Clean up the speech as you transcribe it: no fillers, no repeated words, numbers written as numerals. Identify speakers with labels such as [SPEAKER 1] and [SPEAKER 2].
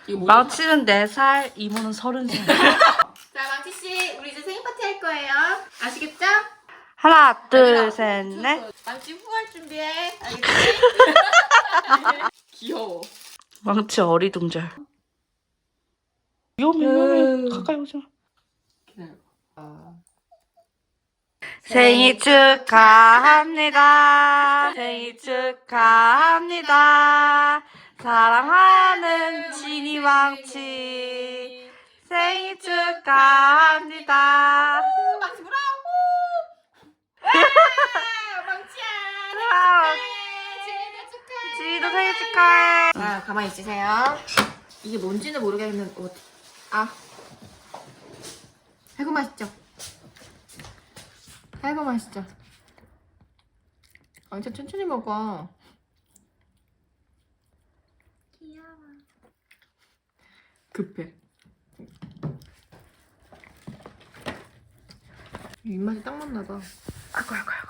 [SPEAKER 1] 망치는 4살, 이모는 30살.
[SPEAKER 2] 자, 망치씨, 우리 이제 생일 파티 할 거예요. 아시겠죠?
[SPEAKER 1] 하나, 둘, 셋, 넷.
[SPEAKER 2] 망치 후할 준비해. 알겠지? 귀여워.
[SPEAKER 1] 망치 어리둥절. 위험해. 가까이 오지 마. 생일 축하합니다. 생일 축하합니다. 사랑하는 지니 망치. 생일 축하합니다.
[SPEAKER 2] 망치 브라보! 망치야, 생일 축하해.
[SPEAKER 1] 지니도 생일 축하해.
[SPEAKER 2] 자, 가만히 있으세요. 이게 뭔지는 모르겠는데, 아이고 맛있죠? 아이고 맛있죠? 진짜 천천히 먹어. 귀여워. 급해. 입맛이 딱 맞나 봐.
[SPEAKER 1] 아이고.